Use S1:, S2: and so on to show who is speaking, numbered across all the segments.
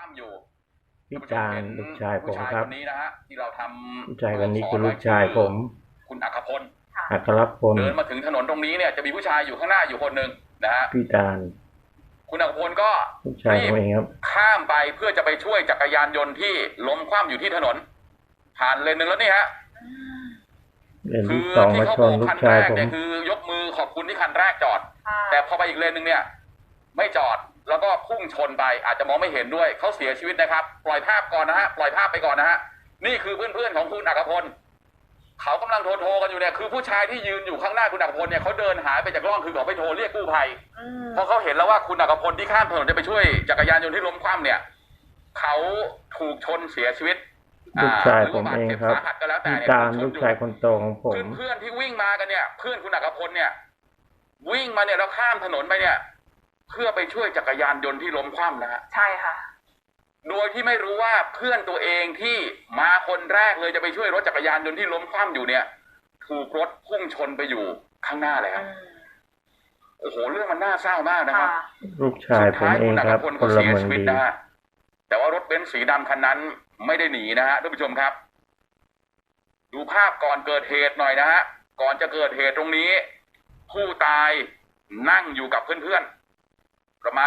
S1: ความอยู่
S2: พี่จานลูกชายผมครับ
S1: ผู้ชายคนนี้นะฮะที่เราทำ
S2: ลูกชายคนนี้คือลูกชายผม
S1: คุณอัครพล
S2: อัครพล
S1: เดินมาถึงถนนตรงนี้เนี่ยจะมีผู้ชายอยู่ข้างหน้าอยู่คนหนึ่งนะฮะ
S2: พี่จาน
S1: คุณอัครพลก็
S2: ลูกชายผมเองครับ
S1: ข้ามไปเพื่อจะไปช่วยจักรยานยนต์ที่ล้มคว่ำอยู่ที่ถนนผ่านเลนหนึ่งแล้วนี่ฮะ
S2: คือที่เขาโบกคันแรก
S1: เนี่ยคือยกมือขอบคุณที่คันแรกจอดแต่พอไปอีกเลนหนึ่งเนี่ยไม่จอดแล้วก็พุ่งชนไปอาจจะมองไม่เห็นด้วยเขาเสียชีวิตนะครับปล่อยภาพก่อนนะฮะปล่อยภาพไปก่อนนะฮะนี่คือเพื่อนๆของคุณอัครพลเขากำลังโทรกันอยู่เนี่ยคือผู้ชายที่ยืนอยู่ข้างหน้าคุณอัครพลเนี่ยเขาเดินหายไปจากกล้องคือเขาไปโทรเรียกกู้ภัยเพราะเขาเห็นแล้วว่าคุณอัครพลที่ข้ามถนนจะไปช่วยจักรยานยนต์ที่ล้มคว่ำเนี่ยเขาถูกชนเสียชีวิต
S2: ลูกชายผมเองครับพี่จานลูกชายคนโตของผม
S1: เพื่อนที่วิ่งมากันเนี่ยเพื่อนคุณอัครพลเนี่ยวิ่งมาเนี่ยแล้วข้ามถนนไปเนี่ยเพื่อไปช่วยจักรยานยนต์ที่ล้มคว่ำนะฮะ
S3: ใช่ค่ะ
S1: โดยที่ไม่รู้ว่าเพื่อนตัวเองที่มาคนแรกเลยจะไปช่วยรถจักรยานยนต์ที่ล้มคว่ำอยู่เนี่ยถูกรถพุ่งชนไปอยู่ข้างหน้าแล้วโอ้โหเรื่องมันน่าเศร้ามากนะครับ
S2: ลูกชายผมเองครับ
S1: คนละเมืองดีนะฮะแต่ว่ารถเบนซ์สีดำคันนั้นไม่ได้หนีนะฮะท่านผู้ชมครับดูภาพก่อนเกิดเหตุหน่อยนะฮะก่อนจะเกิดเหตุตรงนี้ผู้ตายนั่งอยู่กับเพื่อนๆประมาณ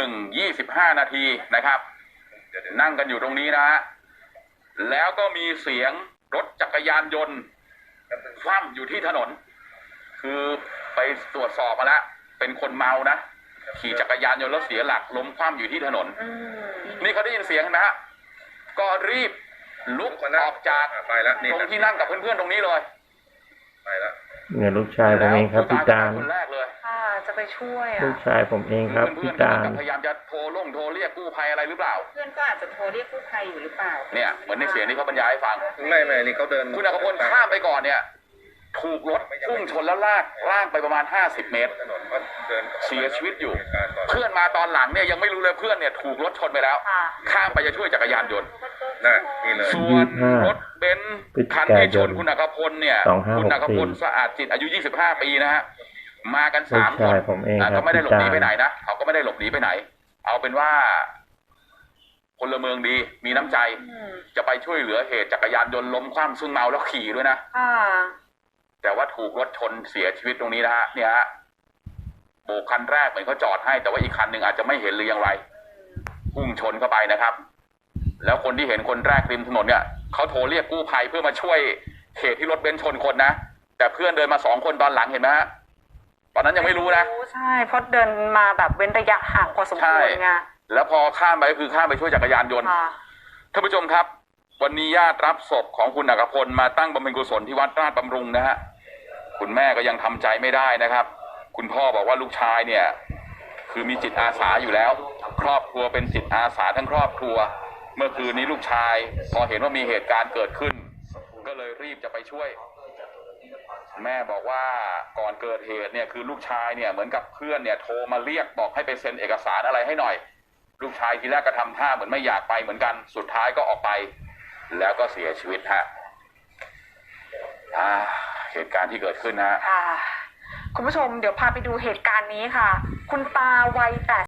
S1: 1:25 นาทีนะครับนั่งกันอยู่ตรงนี้นะฮะแล้วก็มีเสียงรถจักรยานยนต์คว่ำอยู่ที่ถนนคือไปตรวจสอบมาแล้วเป็นคนเมานะขี่จักรยานยนต์แล้วเสียหลักล้มคว่ำอยู่ที่ถนนนี่เขาได้ยินเสียงนะฮะก็รีบลุกออกจากตรงที่นั่งกับเพื่อนๆตรงนี้เลย
S2: ไปแล้วเนี่ยลูกชายผมเองครับพี่จาน
S1: คนแรกเลย
S3: จะไปช่วย
S2: ลูกชายผมเองครับพี่จาน
S1: พยายามจะโทรเรียกกู้ภัยอะไรหรือเปล่า
S3: เพื่อนก็อาจจะโทรเรียกกู้ภัยอยู่หรือเปล่า
S1: เนี่ยเหมือนในเสียงที่เขาบรรยายให้ฟัง
S4: ไม่นี่เขาเดิน
S1: คุณอัครพลข้ามไปก่อนเนี่ยถูกรถพุ่งชนแล้วลากไปประมาณ50 เมตรเสียชีวิตอยู่เพื่อนมาตอนหลังเนี่ยยังไม่รู้เลยเพื่อนเนี่ยถูกรถชนไปแล้วข้ามไปจะช่วยจักรยานยนต์ส่วนรถเบนซ์คันที่ชนคุณอัครพลเนี่ยคุณอัครพลสะอาดจิตอายุ25 ปีนะฮะมากัน3 คนก็ไม่ได้หลบหนีไปไหนนะเขาก็ไม่ได้หลบหนีไปไหนเอาเป็นว่าพลเมืองดีมีน้ำใจจะไปช่วยเหลือเหตุจักรยานยนต์ล้มคว่ำซึ่งเมาแล้วขี่ด้วยนะแต่ว่าถูกรถชนเสียชีวิตตรงนี้นะฮะเนี่ยฮะโบกคันแรกเหมือนเขาจอดให้แต่ว่าอีกคันหนึ่งอาจจะไม่เห็นหรือยังไรพุ่งชนเข้าไปนะครับแล้วคนที่เห็นคนแรกริมถนนเนี่ยเขาโทรเรียกกู้ภัยเพื่อมาช่วยเหตุที่รถเบนซ์ชนคนนะแต่เพื่อนเดินมา2 คนตอนหลังเห็นไหมฮะตอนนั้นยังไม่รู้นะ
S3: ใช่เพราะเดินมาแบบเว้นระยะห่างพอสมควรไง
S1: แล้วพอข้ามไปก็คือข้ามไปช่วยจักรยานยนต์ท่านผู้ชมครับวันนี้ญาติรับศพของคุณอัครพลมาตั้งบำเพ็ญกุศลที่วัดราชบำรุงนะฮะคุณแม่ก็ยังทำใจไม่ได้นะครับคุณพ่อบอกว่าลูกชายเนี่ยคือมีจิตอาสาอยู่แล้วครอบครัวเป็นจิตอาสาทั้งครอบครัวเมื่อคืนนี้ลูกชายพอเห็นว่ามีเหตุการณ์เกิดขึ้นก็เลยรีบจะไปช่วยแม่บอกว่าก่อนเกิดเหตุเนี่ยคือลูกชายเนี่ยเหมือนกับเพื่อนเนี่ยโทรมาเรียกบอกให้ไปเซ็นเอกสารอะไรให้หน่อยลูกชายทีแรกก็ทำท่าเหมือนไม่อยากไปเหมือนกันสุดท้ายก็ออกไปแล้วก็เสียชีวิตฮะเหตุการณ์ที่เกิดขึ้นฮะ
S3: คุณผู้ชมเดี๋ยวพาไปดูเหตุการณ์นี้ค่ะคุณตาวัย